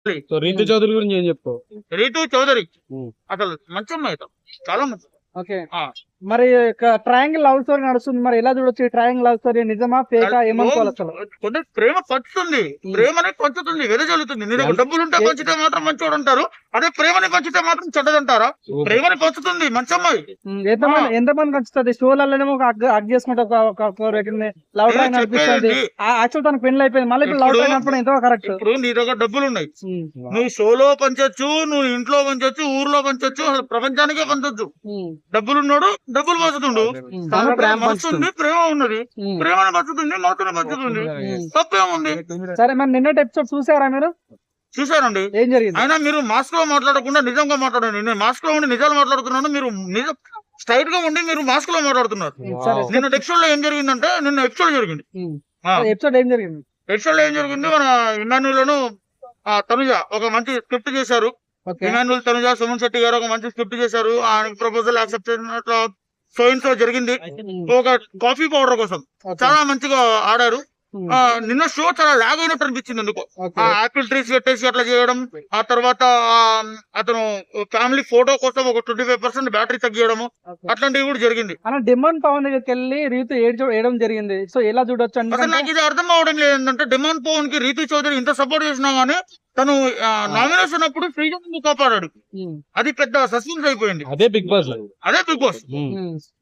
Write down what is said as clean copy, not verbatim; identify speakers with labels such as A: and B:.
A: So Ritu Chowdary గురించి ఏం చెప్తావు?
B: రీతు చౌదరి అసలు మంచి అమ్మాయి, చాలా మంచి.
C: ఓకే, మరి ట్రయాంగిల్ లవ్ స్టోరీ నడుస్తుంది, మరి ఎలా చూడొచ్చు? ట్రయాంగిల్ లవ్ స్టోరీ నిజమా ఫేకా ఏమనుకోవాలి అసలు?
B: కొంచెం ప్రేమ పంచుతుంది, ప్రేమనే పంచుతుంది, వెదజల్లుతుంది. నీ దగ్గర డబ్బులు ఉంటే పంచితే మాత్రం మంచోడు అంటారు, అదే ప్రేమని పంచితే మాత్రం చెడ్డదంటారా? ప్రేమని పంచుతుంది, మంచి అమ్మాయి.
C: ఎంతమంది పంచుతుంది? షోలలోనేమో అగ్ చేసుకుంటే లవ్ ట్రాక్ నడిపిస్తుంది. యాక్చువల్ తనకు పెళ్లి అయిపోయింది, మళ్ళీ లవ్ ట్రాక్ నడపడం ఎంతో కరెక్ట్.
B: ఇప్పుడు నీ దగ్గర డబ్బులు ఉన్నాయి, నువ్వు షోలో పంచొచ్చు, నువ్వు ఇంట్లో పంచొచ్చు, ఊర్లో పంచొచ్చు, అసలు ప్రపంచానికే పంచొచ్చు. డబ్బులున్నాడు డబ్బులు పంచుతుండు, పంచుతుంది, ప్రేమ ఉన్నది, ప్రేమను పంచుతుంది, మాతను పంచుతుంది, తప్పేముంది?
C: సరే, మరి నిన్నటి ఎపిసోడ్ చూసారా మీరు?
B: చూసారండి.
C: ఏం జరిగింది?
B: అయినా మీరు మాస్క్ లో మాట్లాడకుండా నిజంగా మాట్లాడండి. నేను మాస్క్ లో ఉండి నిజాలు మాట్లాడుతున్నాను, మీరు నిజం స్ట్రైట్ గా ఉండి మీరు మాస్క్ లో మాట్లాడుతున్నారు. నిన్న ఎపిసోడ్ లో ఏం జరిగిందంటే, నిన్న ఎపిసోడ్ జరిగింది.
C: ఎపిసోడ్ ఏం జరిగింది?
B: ఎపిసోడ్ లో ఏం జరిగింది, మన ఇమాన్యులను తనుజ ఒక మంచి స్క్రిప్ట్ చేశారు. ఇమాన్యుల్, తనుజ, సుమన్ శెట్టి గారు ఒక మంచి స్క్రిప్ట్ చేశారు. ఆయన ప్రపోజల్ యాక్సెప్ట్ చేసినట్లు సో జరిగింది. ఒక కాఫీ పౌడర్ కోసం చాలా మంచిగా ఆడారు. నిన్న షో చాలా లాగ్ అయినట్టు అనిపించింది ఎందుకో. ఆపిల్ ట్రీస్ పెట్టేసి అట్లా చేయడం, ఆ తర్వాత అతను ఫ్యామిలీ ఫోటో కోసం ఒక 25% బ్యాటరీ తగ్గియడము, అట్లాంటివి కూడా జరిగింది.
C: డిమాండ్ పవన్ దగ్గరికి వెళ్ళి రీతు ఏడడం జరిగింది. సో ఎలా చూడొచ్చు?
B: అసలు నాకు ఇది అర్థం అవడం లేదు ఏంటంటే, డిమాండ్ పవన్ కి రీతు చౌదరి ఇంత సపోర్ట్ చేసినా గానీ తను నామినేషన్ అప్పుడు శ్రీజన్ కాపాడాడు. అది పెద్ద సస్పెన్స్ అయిపోయింది.
A: అదే బిగ్ బాస్.